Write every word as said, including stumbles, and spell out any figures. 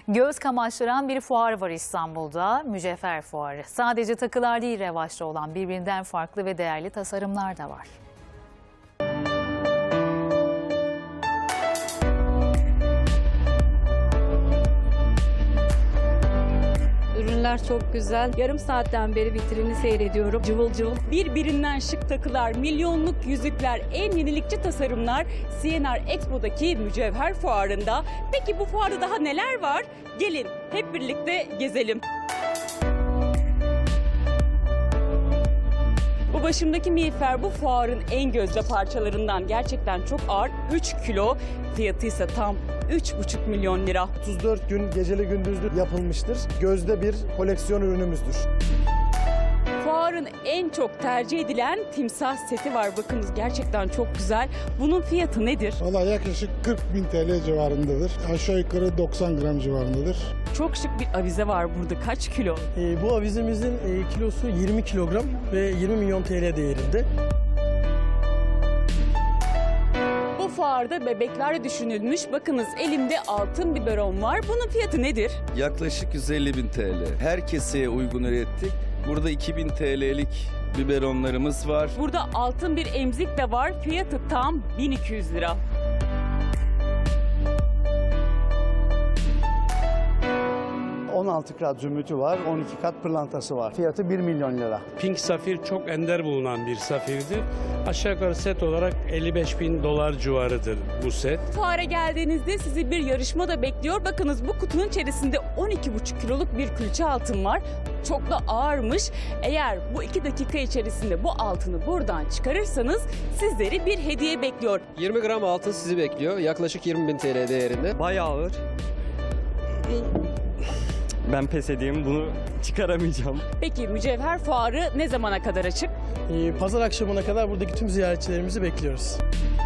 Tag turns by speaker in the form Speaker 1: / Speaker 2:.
Speaker 1: Göz kamaştıran bir fuar var İstanbul'da, Mücevher Fuarı. Sadece takılar değil revaçta olan birbirinden farklı ve değerli tasarımlar da var.
Speaker 2: Ürünler çok güzel. Yarım saatten beri vitrini seyrediyorum. Cıvıl cıvıl.
Speaker 3: Birbirinden şık takılar, milyonluk yüzükler, en yenilikçi tasarımlar C N R Expo'daki Mücevher Fuarı'nda. Peki bu fuarda daha neler var? Gelin hep birlikte gezelim. Bu başımdaki miğfer bu fuarın en gözde parçalarından. Gerçekten çok ağır, üç kilo. Fiyatı ise tam üç buçuk milyon lira.
Speaker 4: otuz dört gün geceli gündüzlü yapılmıştır. Gözde bir koleksiyon ürünümüzdür.
Speaker 3: Fuarın en çok tercih edilen timsah seti var. Bakınız gerçekten çok güzel. Bunun fiyatı nedir?
Speaker 5: Valla yaklaşık kırk bin T L civarındadır. Aşağı yukarı doksan gram civarındadır.
Speaker 3: Çok şık bir avize var burada. Kaç kilo?
Speaker 6: E, bu avizemizin e, kilosu yirmi kilogram ve yirmi milyon T L değerinde.
Speaker 3: Bu fuarda bebekler düşünülmüş. Bakınız elimde altın biberon var. Bunun fiyatı nedir?
Speaker 7: Yaklaşık yüz elli bin T L. Her keseye uygun ürettik. Burada iki bin T L'lik biberonlarımız var.
Speaker 3: Burada altın bir emzik de var. Fiyatı tam bin iki yüz lira.
Speaker 8: on altı kat zümrütü var, on iki kat pırlantası var. Fiyatı bir milyon lira.
Speaker 9: Pink safir çok ender bulunan bir safirdir. Aşağı yukarı set olarak elli beş bin dolar civarıdır bu set.
Speaker 3: Fuara geldiğinizde sizi bir yarışma da bekliyor. Bakınız bu kutunun içerisinde on iki buçuk kiloluk bir külçe altın var. Çok da ağırmış. Eğer bu iki dakika içerisinde bu altını buradan çıkarırsanız sizleri bir hediye bekliyor.
Speaker 10: yirmi gram altın sizi bekliyor. Yaklaşık yirmi bin T L değerinde.
Speaker 11: Bayağı ağır. Ben pes edeyim, bunu çıkaramayacağım.
Speaker 3: Peki Mücevher Fuarı ne zamana kadar açık?
Speaker 6: E, pazar akşamına kadar buradaki tüm ziyaretçilerimizi bekliyoruz.